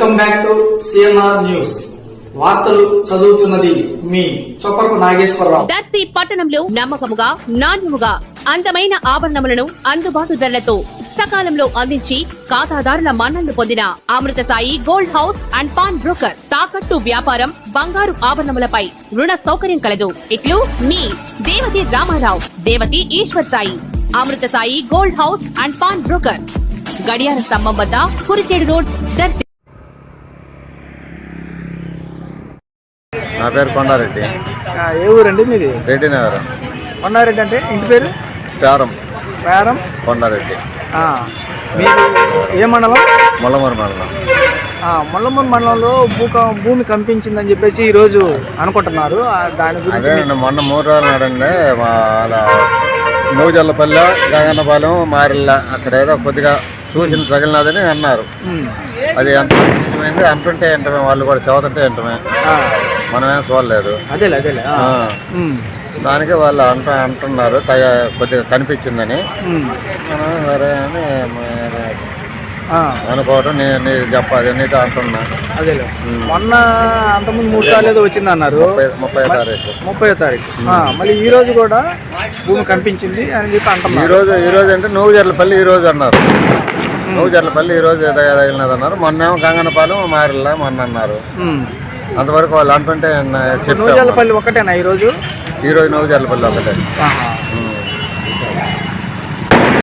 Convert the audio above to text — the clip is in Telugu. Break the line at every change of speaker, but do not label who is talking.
Welcome back to CNR news. వార్తలు చదువుతున్నది మీ చొప్పరపు నాగేశ్వరరావు.
దర్శి పట్టణంలో నమ్మకముగా, నాణ్యముగా అందమైన ఆభరణములను అందుబాటు ధరలతో సకాలంలో అందించి ఖాతాదారుల మన్ననలు పొందిన Amruthasai gold house and pawnbroker. తాకట్టు వ్యాపారం, బంగారు ఆభరణములపై రుణ సౌకర్యం కలదు. ఇట్లు మీ Devathi Ramarao, Devathi Eshwar Sai. Amruthasai gold house and pawnbroker, గడియార స్తంభం వద్ద, కురిచేడు రోడ్, దర్శి.
నా పేరు కొండారెడ్డి.
ఏ ఊరండి మీది?
రెడ్డి నగరం.
కొండారెడ్డి అంటే ఇంటి పేరు?
పేరం
పేరం
కొండారెడ్డి.
మీరు ఏ మండలం?
ముల్లమూరు మండలం.
ముల్లమూరు మండలంలో భూమి కంపించిందని చెప్పేసి ఈరోజు అనుకుంటున్నారు. దాని గురించి
అదే మొన్న 3 రోజులు నాడండి వాళ్ళ నూజల్లపల్లె, గగన్నపాలెం, మారిల్ల అక్కడ ఏదో కొద్దిగా చూసిన తగిలినదని అన్నారు. అది ఎంత నిజమైంది అంటుంటే ఏంటమే, వాళ్ళు కూడా చదువుతుంటే ఏంటమే, మనమేం చూడలేదు.
అదేలే
దానికి వాళ్ళు అంటున్నారు కొద్దిగా కనిపించిందని. మనం సరే అని అనుకోవటం నేను చెప్పాలి, నీతో అంటున్నా.
అదేలే మొన్న అంతకుముందు 3 సార్లు ఏదో వచ్చింది అన్నారు. 30వ తారీఖు మళ్ళీ ఈ రోజు కూడా భూమి కనిపించింది అని చెప్పి అంటున్నారు.
ఈ రోజు అంటే నూజర్లపల్లి ఈ రోజు అన్నారు. నూజర్లపల్లి ఈ రోజు తగిలినది అన్నారు. మొన్నేమో గంగన్నపాలెం, మారిల్లా మొన్న అన్నారు. అంతవరకు వాళ్ళు అంటుంటే
నూజర్లపల్లి ఒకటేనా ఈ రోజు?
నూజర్లపల్లి ఒకటే.